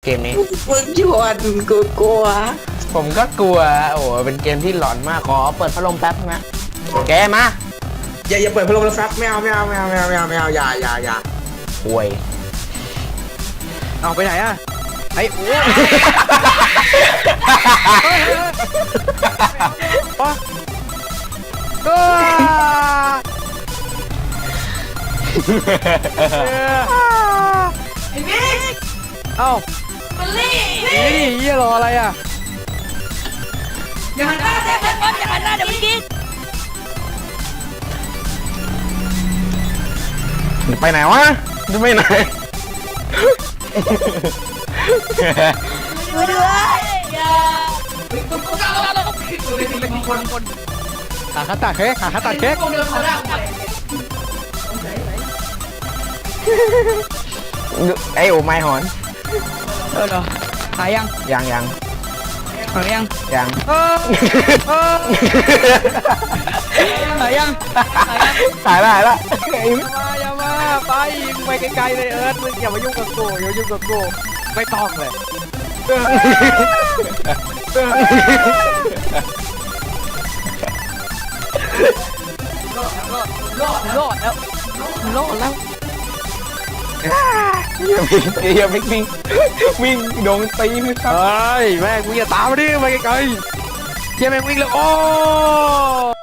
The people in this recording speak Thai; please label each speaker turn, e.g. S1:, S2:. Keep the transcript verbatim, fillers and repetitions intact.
S1: กมนี้
S2: มึงชวนกูกลัว
S1: ผมก็กลัวโอ้โหเป็นเกมที่หลอนมากขอเปิดพัดลมแป๊บนะแกมา
S2: อย่าอย่าเปิดพัดลมแล้วครับไม่เอาไม่เอาไม่เอาไม่เอาไม่เอาไม่เอาอย่าอย่าอย่า
S1: ป่วย
S3: เอาไปไหนอะไอ้โอ้โอ้
S4: ไอ้บิ๊ก
S3: เอ้า
S4: มันลี่
S3: นี่เยี่ยรออะไรอ่ะ
S4: อย่าหันหน้าเด็กอย่าหันหน้าเดี๋ยวมันกิน
S1: ไปไหนวะจะไปไหน
S4: ช่วยด้วยอย่าคนคน
S3: ขาขาตัดเค้กขาขาตัดเค้ก
S4: เดินเขาได้ไป
S1: ไอโอไม้หอน
S3: เออเหรอหายยัง
S1: ยังยัง
S3: หายยัง
S1: ยัง
S3: เออเออหายยังหายยัง
S1: ตายละตายละ
S3: อย่ามาอย่ามาไปไปไกลๆเลยเอิร์ธมึงอย่ามายุ่งกับกูอย่ายุ่งกับกูไม่ต้องเลยรอดรอดแล้วรอดแล้ว
S1: อย่าวิ่งอย่าวิ่งวิ่งวิ่งโดนตีมือครับ
S3: เฮ้ยแม่งกูอย่าตามมาดิไปไกลๆเชี่ยแม่งวิ่งเลยโอ้